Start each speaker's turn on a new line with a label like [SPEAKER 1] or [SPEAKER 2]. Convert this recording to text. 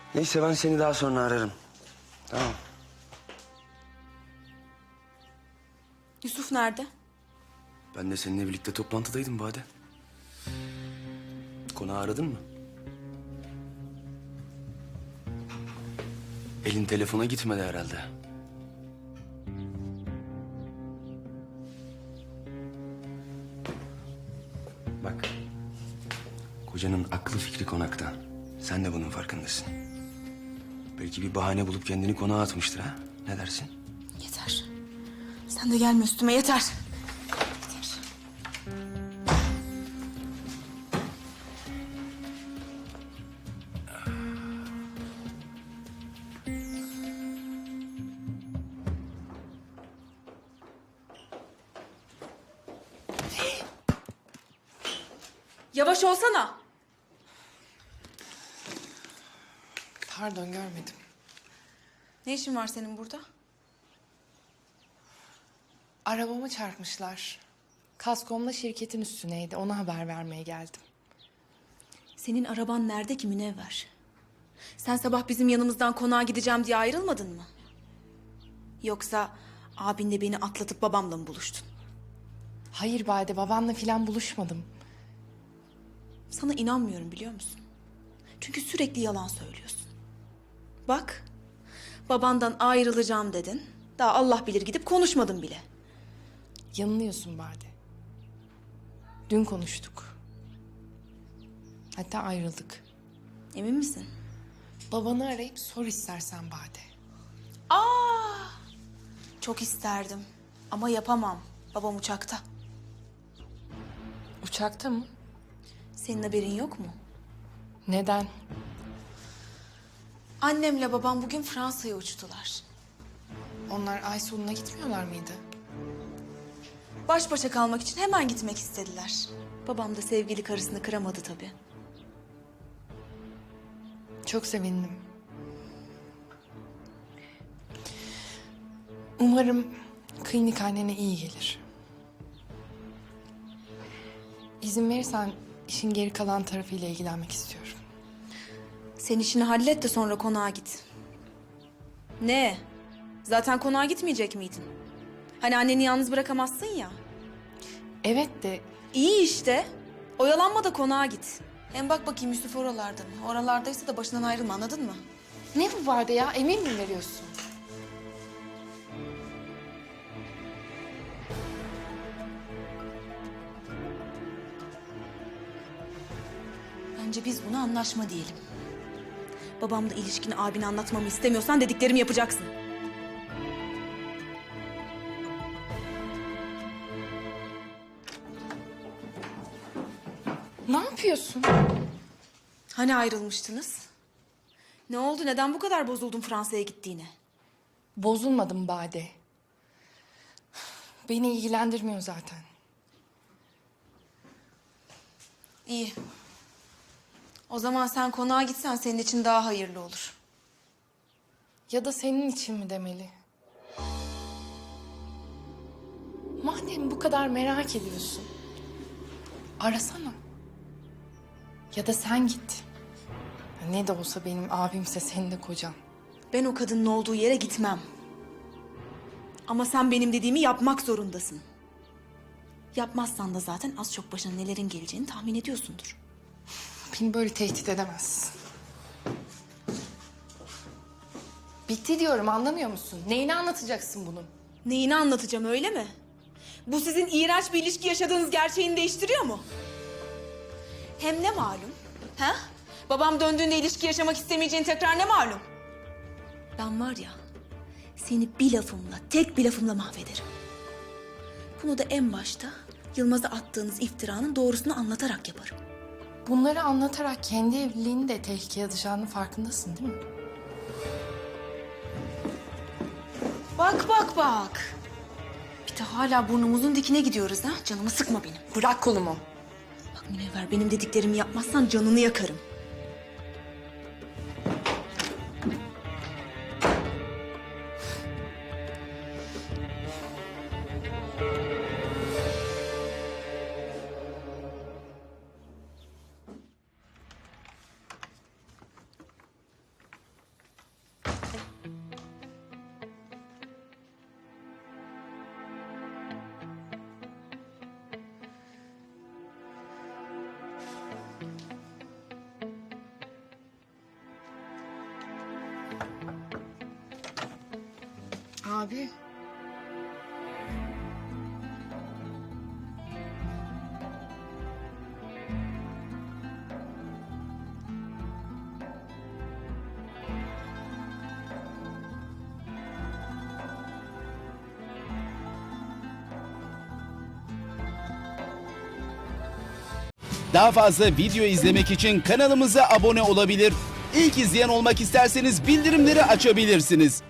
[SPEAKER 1] Neyse ben seni daha sonra ararım. Tamam.
[SPEAKER 2] Yusuf nerede?
[SPEAKER 1] Ben de seninle birlikte toplantıdaydım Bade. Konağı aradın mı? Elin telefona gitmedi herhalde. Bak. Kocanın aklı fikri konakta. Sen de bunun farkındasın. Belki bir bahane bulup kendini konağa atmıştır ha? Ne dersin?
[SPEAKER 2] Yeter. Sen de gelme üstüme, yeter. Yeter. Yavaş olsana.
[SPEAKER 3] Pardon, görmedim.
[SPEAKER 2] Ne işin var senin burada?
[SPEAKER 3] Arabamı çarpmışlar. Kaskomla şirketin üstüneydi. Ona haber vermeye geldim.
[SPEAKER 2] Senin araban nerede ki Münevver? Sen sabah bizim yanımızdan konağa gideceğim diye ayrılmadın mı? Yoksa abinle beni atlatıp babamla mı buluştun?
[SPEAKER 3] Hayır Bade, babanla falan buluşmadım.
[SPEAKER 2] Sana inanmıyorum biliyor musun? Çünkü sürekli yalan söylüyorsun. Bak, babandan ayrılacağım dedin. Daha Allah bilir gidip konuşmadın bile.
[SPEAKER 3] Yanılıyorsun Bade. Dün konuştuk. Hatta ayrıldık.
[SPEAKER 2] Emin misin?
[SPEAKER 3] Babanı arayıp sor istersen Bade.
[SPEAKER 2] Çok isterdim ama yapamam. Babam uçakta.
[SPEAKER 3] Uçakta mı?
[SPEAKER 2] Senin haberin yok mu?
[SPEAKER 3] Neden?
[SPEAKER 2] Annemle babam bugün Fransa'ya uçtular.
[SPEAKER 3] Onlar ay sonuna gitmiyorlar mıydı?
[SPEAKER 2] Baş başa kalmak için hemen gitmek istediler. Babam da sevgili karısını kıramadı tabii.
[SPEAKER 3] Çok sevindim. Umarım klinik annene iyi gelir. İzin verirsen işin geri kalan tarafıyla ilgilenmek istiyorum.
[SPEAKER 2] Sen işini hallet de sonra konağa git. Ne? Zaten konağa gitmeyecek miydin? Hani anneni yalnız bırakamazsın ya.
[SPEAKER 3] Evet de
[SPEAKER 2] İyi işte. Oyalanma da konağa git. Hem bak bakayım Yusuf oralarda mı? Oralardaysa da başından ayrılma, anladın mı?
[SPEAKER 3] ne bu vardı ya? Emin mi veriyorsun?
[SPEAKER 2] Bence biz buna anlaşma diyelim. Babamla ilişkini abine anlatmamı istemiyorsan dediklerimi yapacaksın.
[SPEAKER 3] Ne yapıyorsun?
[SPEAKER 2] Hani ayrılmıştınız? Ne oldu? Neden bu kadar bozuldun Fransa'ya gittiğine?
[SPEAKER 3] Bozulmadım Bade. Beni ilgilendirmiyor zaten.
[SPEAKER 2] İyi. O zaman sen konağa gitsen senin için daha hayırlı olur.
[SPEAKER 3] Ya da senin için mi demeli? Madem bu kadar merak ediyorsun, arasana. Ya da sen git. Ne de olsa benim abimse senin de kocan.
[SPEAKER 2] Ben o kadının olduğu yere gitmem. Ama sen benim dediğimi yapmak zorundasın. Yapmazsan da zaten az çok başına nelerin geleceğini tahmin ediyorsundur.
[SPEAKER 3] Beni böyle tehdit edemezsin. Bitti diyorum, anlamıyor musun? Neyini anlatacaksın bunun?
[SPEAKER 2] Neyini anlatacağım, öyle mi? Bu sizin iğrenç bir ilişki yaşadığınız gerçeğini değiştiriyor mu? Hem ne malum? Ha? Babam döndüğünde ilişki yaşamak istemeyeceğin tekrar ne malum? Ben var ya, seni bir lafımla, tek bir lafımla mahvederim. Bunu da en başta Yılmaz'a attığınız iftiranın doğrusunu anlatarak yaparım.
[SPEAKER 3] Bunları anlatarak kendi evliliğini de tehlikeye atacağının farkındasın değil mi?
[SPEAKER 2] Bak bak bak. Bir de hala burnumuzun dikine gidiyoruz ha. Canımı sıkma benim.
[SPEAKER 3] Bırak kolumu.
[SPEAKER 2] Bak Münevver, benim dediklerimi yapmazsan canını yakarım.
[SPEAKER 3] Abi.
[SPEAKER 4] Daha fazla video izlemek için kanalımıza abone olabilir. İlk izleyen olmak isterseniz bildirimleri açabilirsiniz.